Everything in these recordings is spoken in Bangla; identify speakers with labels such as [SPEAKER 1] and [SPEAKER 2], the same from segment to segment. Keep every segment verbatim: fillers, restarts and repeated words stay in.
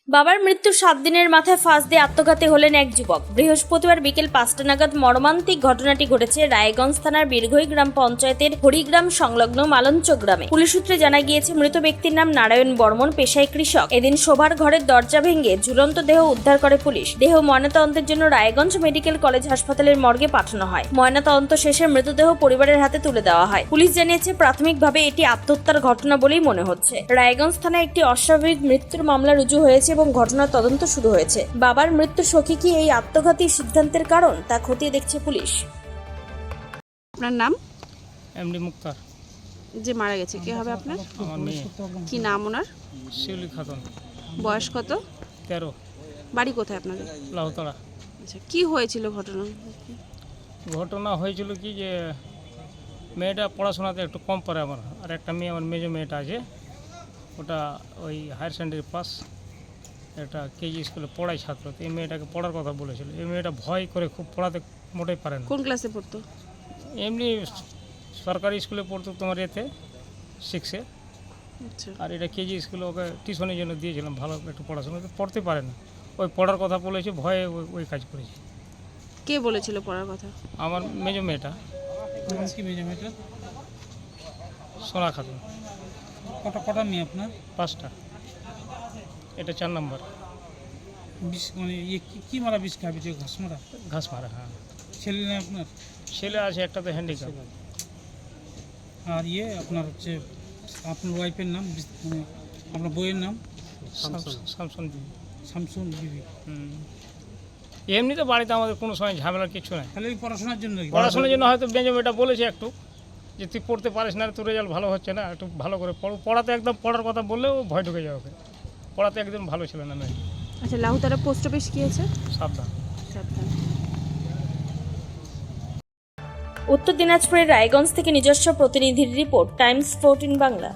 [SPEAKER 1] বাবার মৃত্যুর সাত দিনের মাথায় ফাঁস দিয়ে আত্মঘাতী হলেন এক যুবক। বৃহস্পতিবার বিকেল পাঁচটা নাগাদ মর্মান্তিক ঘটনাটি ঘটেছে রায়গঞ্জ থানার বীরঘই গ্রাম পঞ্চায়েতের হরিগ্রাম সংলগ্ন মালঞ্চ গ্রামে। পুলিশ সূত্রে জানা গিয়েছে, মৃত ব্যক্তির নাম নারায়ণ বর্মন, পেশায় কৃষক। এদিন শোবার ঘরের দরজা ভেঙে ঝুলন্ত দেহ উদ্ধার করে পুলিশ। দেহ ময়নাতদন্তের জন্য রায়গঞ্জ মেডিকেল কলেজ হাসপাতালের মর্গে পাঠানো হয়। ময়নাতদন্ত শেষে মৃতদেহ পরিবারের হাতে তুলে দেওয়া হয়। পুলিশ জানিয়েছে, প্রাথমিকভাবে এটি আত্মহত্যার ঘটনা বলেই মনে হচ্ছে। রায়গঞ্জ থানায় একটি অস্বাভাবিক মৃত্যুর মামলা রুজু হয়েছে এবং ঘটনার তদন্ত শুরু হয়েছে। বাবার মৃত্যু শোকে কি এই আত্মঘাতী সিদ্ধান্তের কারণ, তা খতিয়ে দেখছে পুলিশ।
[SPEAKER 2] আপনার নাম?
[SPEAKER 3] এমডি মুক্তার।
[SPEAKER 2] যে মারা গেছে কে হবে আপনার?
[SPEAKER 3] আমার মেয়ে।
[SPEAKER 2] কি নাম ওনার?
[SPEAKER 3] শিউলি খাতুন।
[SPEAKER 2] বয়স কত?
[SPEAKER 3] তেরো।
[SPEAKER 2] বাড়ি কোথায় আপনাদের?
[SPEAKER 3] লাউতলা।
[SPEAKER 2] আচ্ছা, কি হয়েছিল ঘটনা?
[SPEAKER 3] ঘটনা হয়েছিল কি যে মেয়েটা পড়াশোনাতে একটু কম পারে আমার, আর একটা মেয়ে আমার মেজো মেয়েটা আছে, ওটা ওই হায়ার সেকেন্ডারি পাস, একটা কেজি স্কুলে পড়ায় ছাত্র। তো এই মেয়েটাকে পড়ার কথা বলেছিল। এই মেয়েটা ভয় করে খুব পড়াতে মোটেই পারে না।
[SPEAKER 2] কোন ক্লাসে পড়তো?
[SPEAKER 3] এমনি সরকারি স্কুলে পড়তো, তোমার এতে সিক্সে।
[SPEAKER 2] আচ্ছা,
[SPEAKER 3] আর এটা কেজি স্কুলে ওকে টিউশনের জন্য দিয়েছিলাম, ভালো একটু পড়াশোনা তো পড়তে পারে না। ওই পড়ার কথা বলেছে, ভয়ে ওই- ওই কাজ করেছে।
[SPEAKER 2] কে বলেছিল পড়ার কথা?
[SPEAKER 3] আমার মেজো মেয়েটা।
[SPEAKER 4] কি মেয়ে মেয়েটা?
[SPEAKER 3] সোনা খাতুন।
[SPEAKER 4] কটা কটা মেয়ে আপনার?
[SPEAKER 3] পাঁচটা, এটা চার নম্বর।
[SPEAKER 4] বিষ মানে ইয়ে কি কি মারা বিষ খাবি যে ঘাস মারা?
[SPEAKER 3] ঘাস মারা। হ্যাঁ,
[SPEAKER 4] ছেলে নেই আপনার?
[SPEAKER 3] ছেলে আছে একটা, তো হ্যান্ডিক্যাপ।
[SPEAKER 4] আর ইয়ে আপনার হচ্ছে আপনার ওয়াইফের নাম বিষ- মানে আপনার বইয়ের নাম?
[SPEAKER 3] শামসুন বিবি।
[SPEAKER 4] শামসুন বিবি।
[SPEAKER 3] হুম। এমনিতে বাড়িতে আমাদের কোনো সময় ঝামেলার কিছু নাই।
[SPEAKER 4] তাহলে ওই পড়াশোনার জন্য কি?
[SPEAKER 3] পড়াশোনার জন্য হয়তো মেজো মেয়েটা বলেছে একটু যে তুই পড়তে পারিস না, তোর রেজাল্ট ভালো হচ্ছে না, একটু ভালো করে পড়ো। পড়াতে একদম পড়ার কথা বললেও ভয় ঢুকে যাবে ওকে। পড়াতে একদম ভালো ছিল না মেয়ে।
[SPEAKER 2] আচ্ছা, লাহুতারা পোস্ট অফিস কি আছে?
[SPEAKER 3] সাবধান।
[SPEAKER 2] সাবধান।
[SPEAKER 1] উত্তর দিনাজপুরের রায়গঞ্জ থেকে নিজস্ব প্রতিনিধির রিপোর্ট, টাইমস ফোরটিন বাংলা।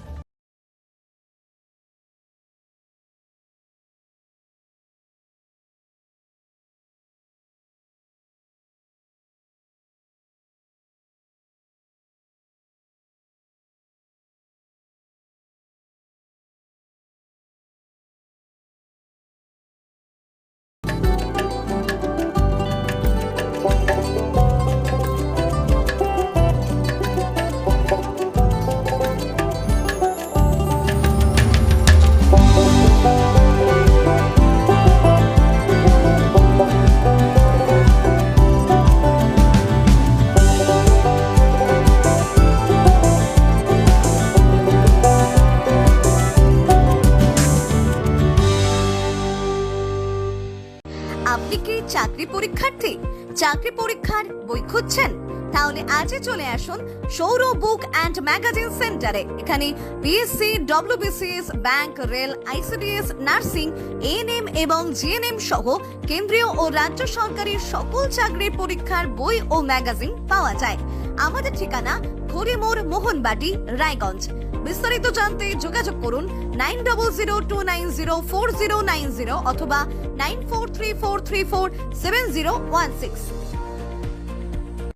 [SPEAKER 5] আপনি কি চাকরি পরীক্ষার্থী? চাকরি পরীক্ষার বই খুঁজছেন? তাহলে আজই চলে আসুন সৌর বুক অ্যান্ড ম্যাগাজিন সেন্টারে। এখানে BSc, WBCS, bank, rail, ICDS, nursing, ANM এবং জিএনএম সহ কেন্দ্রীয় ও রাজ্য সরকারের সকল চাকরির পরীক্ষার বই ও ম্যাগাজিন পাওয়া যায়। আমাদের ঠিকানা খড়িমোড়, মোহনবাটি, রায়গঞ্জ। বিস্তারিত জানতে যোগাযোগ করুন nine double zero two nine zero four zero nine zero অথবা nine four three four three four seven zero one six.